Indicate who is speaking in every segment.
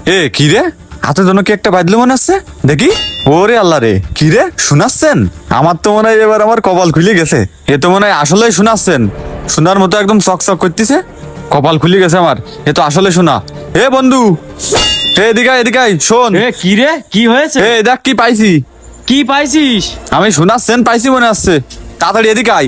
Speaker 1: এ কি রে, হাতের জন্য কি একটা বাজলো মনে হচ্ছে, দেখি। ওরে আল্লাহ রে, কি রে শোনাচ্ছেন? আমার তো মনে হয় এবার আমার কপাল খুলে গেছে। এ তো মনে হয় আসলেই শোনাচ্ছেন, শোনার মতো একদম চকচক করতেছে। কপাল খুলে গেছে আমার, এ তো আসলে শোনা। এ বন্ধু, এদিকে এদিকে শোন।
Speaker 2: এ কি রে, কি হয়েছে?
Speaker 1: এ দেখ কি পাইছি।
Speaker 2: কি পাইছিস?
Speaker 1: আমি শোনাচ্ছেন পাইছি মনে হচ্ছে, তাড়াতাড়ি এদিকে আয়।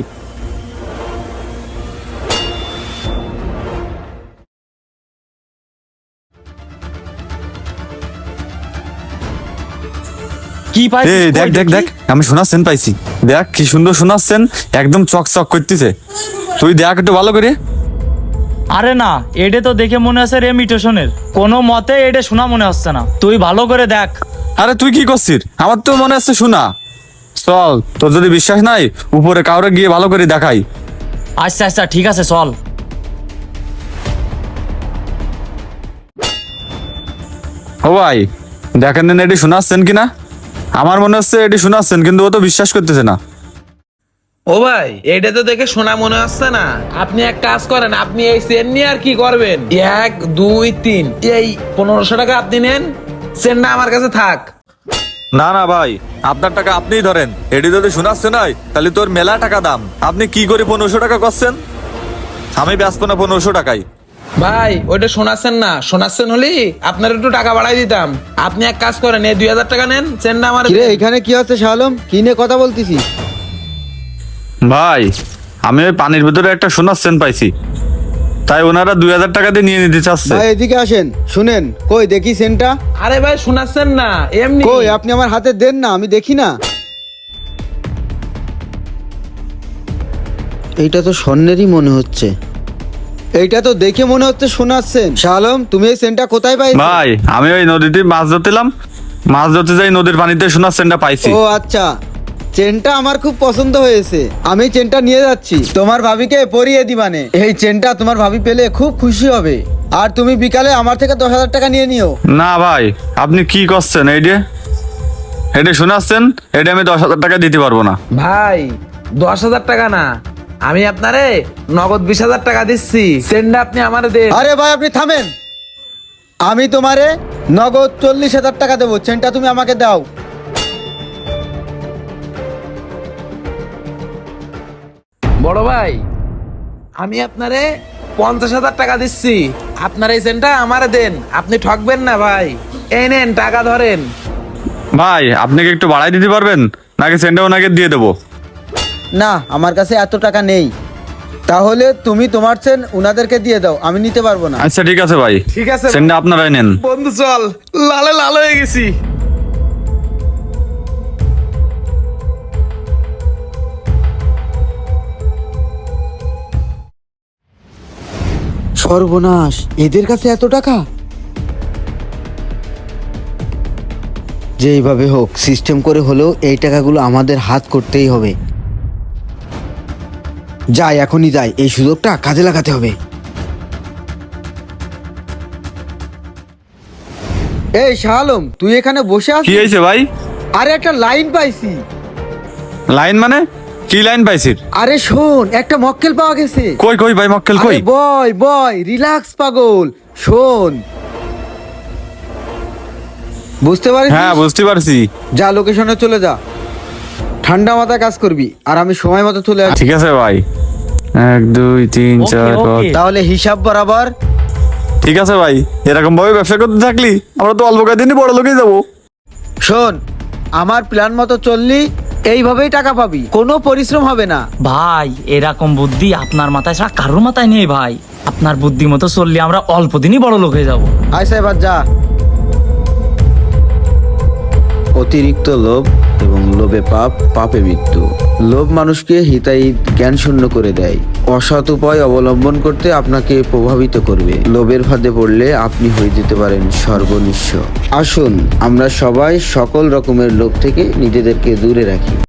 Speaker 2: কি পাইছিস?
Speaker 1: এই দেখ
Speaker 2: কই
Speaker 1: দেখ
Speaker 2: দেখি?
Speaker 1: দেখ, আমি শোনাচ্ছেন পাইছি। দেখ কি সুন্দর শোনাচ্ছেন, একদম চকচক করতেছে। তুই দেখ একটু ভালো করে।
Speaker 2: আরে না, এডে তো দেখে মনে হচ্ছে রেমিটেশনের। কোনো মতে এডে শোনা মনে হচ্ছে না, তুই ভালো করে দেখ।
Speaker 1: আরে তুই কি করছিস? আমার তো মনে হচ্ছে শোনা। চল, তোর যদি বিশ্বাস নাই উপরে কাউরে গিয়ে ভালো করে দেখাই।
Speaker 2: আচ্ছা আচ্ছা ঠিক আছে, চল।
Speaker 1: ও ভাই, দেখেন না এটি শোনাচ্ছেন কিনা। আমার মনে হচ্ছে এটি শোনাচ্ছেন, কিন্তু ও তো বিশ্বাস করতেছে না।
Speaker 3: ও ভাই, এটা তো দেখে শোনা মনে হচ্ছে না। আপনি এক কাজ করেন, আপনি এই চেন নিয়ে আর কি করবেন? 1 2 3 এই 1500 টাকা আপনি নেন, চেনটা আমার কাছে থাক।
Speaker 1: না না ভাই, আপনার টাকা আপনিই ধরেন। এটি যদি শোনাচ্ছে নাই তাহলে তোর মেলা টাকা দাম। আপনি কি করে 1500 টাকা করছেন? আমি ব্যস্ত না 1500 টাকায়।
Speaker 3: ভাই ওইটা শোনাচ্ছেন না, শোনাচ্ছেন হলি আপনার একটু টাকা বাড়াই দিতাম। আপনি এক কাজ করেন, এই 2000 টাকা নেন, চেনটা আমার
Speaker 4: কিরে
Speaker 3: দেন।
Speaker 4: এখানে কি হচ্ছে শালম? কি নিয়ে কথা বলতেছিস?
Speaker 1: ভাই, আমি ওই পানির ভিতরে একটা শোনাচ্ছেন পাইছি, তাই ওনারা 2000 টাকা দিয়ে নিয়ে নিতে চাচ্ছে।
Speaker 4: ভাই এদিকে আসেন, শুনেন। কই দেখি সেন্টটা।
Speaker 3: আরে ভাই শোনাচ্ছেন না, এমনি।
Speaker 4: কই আপনি আমার হাতে দেন না, আমি দেখি না। এইটা তো স্বর্ণেরই মনে হচ্ছে। এইটা তো দেখে মনে হচ্ছে শোনাচ্ছেন। শালম, তুমি এই সেন্টটা কোথায় পাইছো?
Speaker 1: ভাই, আমি ওই নদীতে মাছ ধরতেলাম, মাছ ধরতে যাই নদীর পানিতে শোনাচ্ছেনটা পাইছি।
Speaker 4: ও আচ্ছা, চেনটা আমার খুব পছন্দ হয়েছে। আমি চেনটা নিয়ে যাচ্ছি, তোমার ভাবিকে পরিয়ে দিবানে। এই চেনটা তোমার ভাবি পেলে খুব খুশি হবে। আর তুমি বিকালে আমার থেকে 10,000 টাকা নিয়ে নিও।
Speaker 1: না ভাই, আপনি কি করছেন? এইটা শোনাচ্ছেন, এটা আমি 10,000 টাকা দিতে পারবো না।
Speaker 3: ভাই 10,000 টাকা না, আমি আপনারে নগদ 20,000 টাকা দিচ্ছি, চেনটা আপনি আমারে দেন।
Speaker 4: আরে ভাই আপনি থামেন। আমি তোমারে নগদ 40,000 টাকা দেবো, চেনটা তুমি আমাকে দাও।
Speaker 3: বড় ভাই, আমি আপনারে 50,000 টাকা দিচ্ছি, আপনার এই চেনটা আমারে দেন। আপনি ঠকবেন না ভাই, এই নেন টাকা ধরেন।
Speaker 1: ভাই, আপনি কি একটু বাড়াই দিতে পারবেন, নাকি সেন্টটা ওনাকে দিয়ে দেবো?
Speaker 4: না, আমার কাছে এত টাকা নেই। তাহলে তুমি তোমার চেন উনাদেরকে দিয়ে দাও, আমি নিতে পারবো না।
Speaker 1: আচ্ছা ঠিক আছে ভাই,
Speaker 3: ঠিক আছে
Speaker 1: সেন্টটা আপনারাই নেন।
Speaker 3: বন্ধু চল, লালে লাল হয়ে গেছি।
Speaker 4: সর্বনাশ, এদের কাছে এত টাকা। যেইভাবে হোক সিস্টেম করে হলেও এই টাকাগুলো আমাদের হাত করতেই হবে। যাই, এখনই যাই, এই সুযোগটা কাজে লাগাতে হবে। এই শালম, তুই এখানে বসে
Speaker 1: কি
Speaker 4: আছিস?
Speaker 1: হয়েছে ভাই?
Speaker 4: আরে একটা লাইন পাইছি।
Speaker 1: লাইন মানে কি লাইন পাইছিস?
Speaker 4: আরে শোন, একটা মক্কেল পাওয়া গেছে।
Speaker 1: কই কই ভাই, মক্কেল কই?
Speaker 4: আরে বয় বয়, রিল্যাক্স পাগল, শোন। বুঝতে পারিস?
Speaker 1: হ্যাঁ বুঝতে পারছি।
Speaker 4: যা, লোকেশনে চলে যা। ঠান্ডা মাথায় কাজ করবি, আর আমি সময় মতো চলে আসছি।
Speaker 1: ঠিক আছে ভাই, 1 2 3
Speaker 2: ওকে,
Speaker 1: 4 5।
Speaker 2: ওকে।
Speaker 4: তাহলে হিসাব বরাবর।
Speaker 1: ঠিক আছে ভাই, এরকম ভাবে ব্যবসা করতে থাকলি আমরা তো অল্প কয়েকদিনই বড় লোকেই যাবো।
Speaker 4: শোন, আমার প্ল্যান মতো চললি এইভাবেই টাকা পাবি, কোনো পরিশ্রম হবে না।
Speaker 2: ভাই, এরকম বুদ্ধি আপনার মাথায় ছাড়া কারোর মাথায় নেই ভাই। আপনার বুদ্ধি মতো চললে আমরা অল্প দিনই বড় লোক হয়ে যাবো।
Speaker 4: আয় সাহেব, যা। অতিরিক্ত লোভ এবং লোভে পাপ, পাপে মৃত্যু। লোভ মানুষকে হিতাহিত জ্ঞান শূন্য করে দেয়। অসৎ উপায় অবলম্বন করতে আপনাকে প্রভাবিত করবে। লোভের ফাঁদে পড়লে আপনি হয়ে যেতে পারেন সর্বনিঃস্ব। আসুন আমরা সবাই সকল রকমের লোভ থেকে নিজেদেরকে দূরে রাখি।